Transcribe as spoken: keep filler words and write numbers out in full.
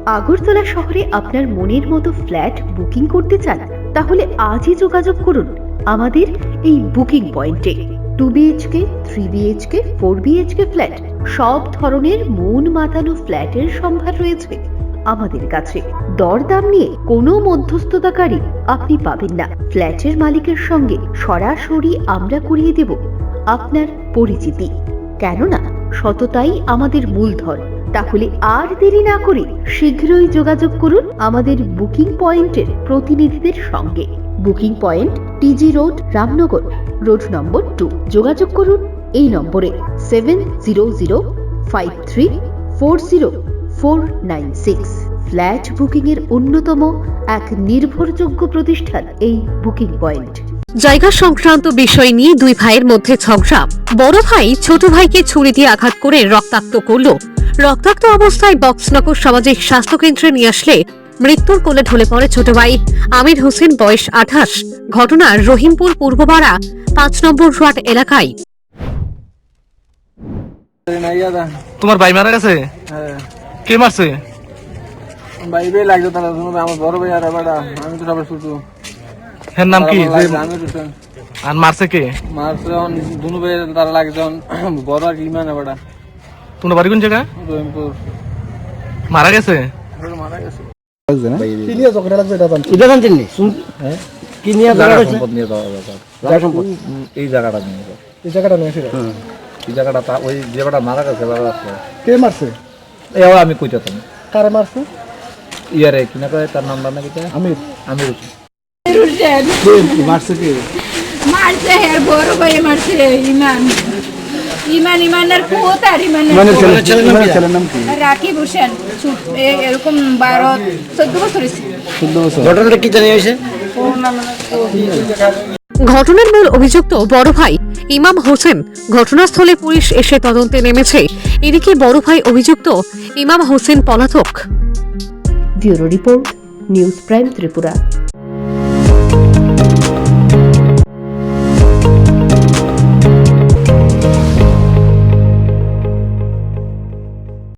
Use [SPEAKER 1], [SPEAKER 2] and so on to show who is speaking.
[SPEAKER 1] আগরতলা শহরে আপনার মনের মতো ফ্ল্যাট বুকিং করতে চান? তাহলে আজই যোগাযোগ করুন আমাদের এই বুকিং পয়েন্টে। Two BHK, three BHK, four BHK flat, সব ধরনের মন মাতানো ফ্ল্যাটের সম্ভার রয়েছে আমাদের কাছে। দরদাম নিয়ে কোনো মধ্যস্থতাকারী আপনি পাবেন না। ফ্ল্যাটের মালিকের সঙ্গে সরাসরি আমরা করিয়ে দেব আপনার পরিচিতি, কেননা সততাই আমাদের মূলধন। তাহলে আর দেরি না করে শীঘ্রই যোগাযোগ করুন আমাদের বুকিং পয়েন্টের প্রতিনিধিদের সঙ্গে। Booking point TG road, Ramnagar road number two. যোগাযোগ করুন এই নম্বরে seven zero zero five three four zero four nine six. Flat booking এর অন্যতম এক নির্ভরযোগ্য প্রতিষ্ঠান এই বুকিং পয়েন্ট।
[SPEAKER 2] জায়গা সংক্রান্ত বিষয় নিয়ে দুই ভাইয়ের মধ্যে ঝগড়া। বড় ভাই ছোট ভাইকে ছুরি দিয়ে আঘাত করে রক্তাক্ত করল। রক্তাক্ত অবস্থায় বক্সনগর সামাজিক স্বাস্থ্য কেন্দ্রে নিয়ে আসলে মৃত্যুর কোলে ঢলে পড়ে ছোট ভাই আমির হোসেন, বয়স আঠাশ। ঘটনা রহিমপুর পূর্বপাড়া পাঁচ নম্বর ওয়ার্ড এলাকায়।
[SPEAKER 3] তোমার ভাই মারা গেছে? কে মারছে?
[SPEAKER 4] ভাইবে লাগতো তারা, আমার বড় ভাই আর বাড়া, আমি তো সবার ছোট।
[SPEAKER 3] এর নাম কি?
[SPEAKER 4] আমির হোসেন।
[SPEAKER 3] আর মারছে কে?
[SPEAKER 4] মারছে দুনু ভাই তারা লাগজন, বড় আর ইমান বাড়া।
[SPEAKER 3] তোমার বাড়ি কোন জায়গা?
[SPEAKER 4] রহিমপুর।
[SPEAKER 3] মারা গেছে?
[SPEAKER 4] মারা গেছে।
[SPEAKER 5] কি নিয়ে ঝগড়া লাগছে এটা জানছি।
[SPEAKER 6] এটা জানতেন নি? হ্যাঁ, কি নিয়ে ঝগড়া হয়েছে?
[SPEAKER 5] সম্পদ নিয়ে যাওয়া ব্যাপার।
[SPEAKER 6] জায়গা সম্পদ।
[SPEAKER 5] এই জায়গাটা নিয়ে যাওয়া।
[SPEAKER 6] এই জায়গাটা নিয়ে এসে
[SPEAKER 5] এই জায়গাটা তা ওই যে বেটা মারা গেছে বাবা আছে।
[SPEAKER 6] কে মারছে?
[SPEAKER 5] এও আমি কইতাম।
[SPEAKER 6] কারে মারছে?
[SPEAKER 5] ইয়ারে কি না কয় তার নামটা নাকি তা?
[SPEAKER 6] আমির।
[SPEAKER 5] আমির
[SPEAKER 7] হোসেন।
[SPEAKER 6] কে মারছে কে?
[SPEAKER 7] মারছে হের বড় ভাই মারছে ইমান। ইমান ইমানের পুত আর ইমানের
[SPEAKER 6] মানে
[SPEAKER 7] পুত।
[SPEAKER 6] ছেলে ছেলের নাম কি? ছেলের নাম কি?
[SPEAKER 7] রাকিব হোসেন। ছোট এ- এরকম বারো চোদ্দ বছর হয়েছে।
[SPEAKER 6] চোদ্দ বছর।
[SPEAKER 4] ঘটনাটা কি জানিয়ে হয়েছে?
[SPEAKER 2] ঘটনার মূল অভিযুক্ত বড় ভাই ইমাম হোসেন। ঘটনাস্থলে পুলিশ এসে তদন্তে নেমেছে। এদিকে বড় ভাই অভিযুক্ত ইমাম হোসেন পলাতক।
[SPEAKER 1] Bureau report, news prime Tripura.